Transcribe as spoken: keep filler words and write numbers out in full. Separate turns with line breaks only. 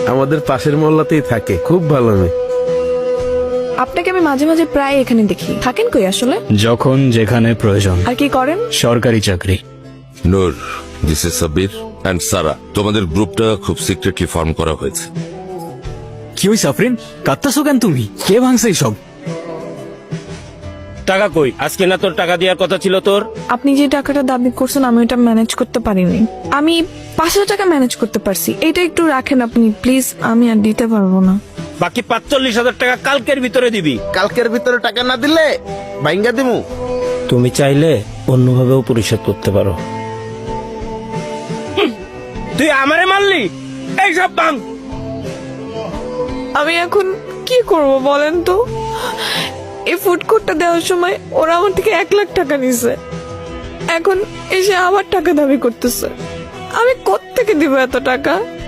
আমাদের পাশের মহল্লাতেই থাকে, খুব ভালো মেয়ে।
আপনাকে আমি মাঝে মাঝে প্রায় এখানে দেখি, থাকেন কই আসলে?
যখন যেখানে প্রয়োজন।
আর কি করেন?
সরকারি চাকরি।
Noor, this is Sabir and Sara. তোমাদের গ্রুপটা খুব সিক্রেটলি ফর্ম করা হয়েছে।
কি হইছে আফরিন, কাঁদতাছো কেন তুমি? কে ভাঙছে সব?
টাকা কই? আজকে না তোর টাকা দেওয়ার কথা ছিল তোর?
আপনি যে টাকাটা দাবি করছেন আমি ওটা ম্যানেজ করতে পারিনি। আমি পাঁচ হাজার টাকা ম্যানেজ করতে পারছি, এটা একটু রাখেন আপনি প্লিজ, আমি আর দিতে পারবো না।
বাকি পাঁচচল্লিশ হাজার টাকা কালকের ভিতরে দিবি।
কালকের ভিতরে টাকা না দিলে ভাঙ্গা দিমু।
তুমি চাইলে অন্যভাবেও পরিশোধ করতে পারো। তুই আমারে মারলি, এইসব বাং।
আমি এখন কি করব বলেন তো? এই ফুড কোর্টটা দেওয়ার সময় ওরা আমার থেকে এক লাখ টাকা নিছে, এখন এসে আবার টাকা দাবি করতেছে। আমি কোত্থেকে দিব এত টাকা?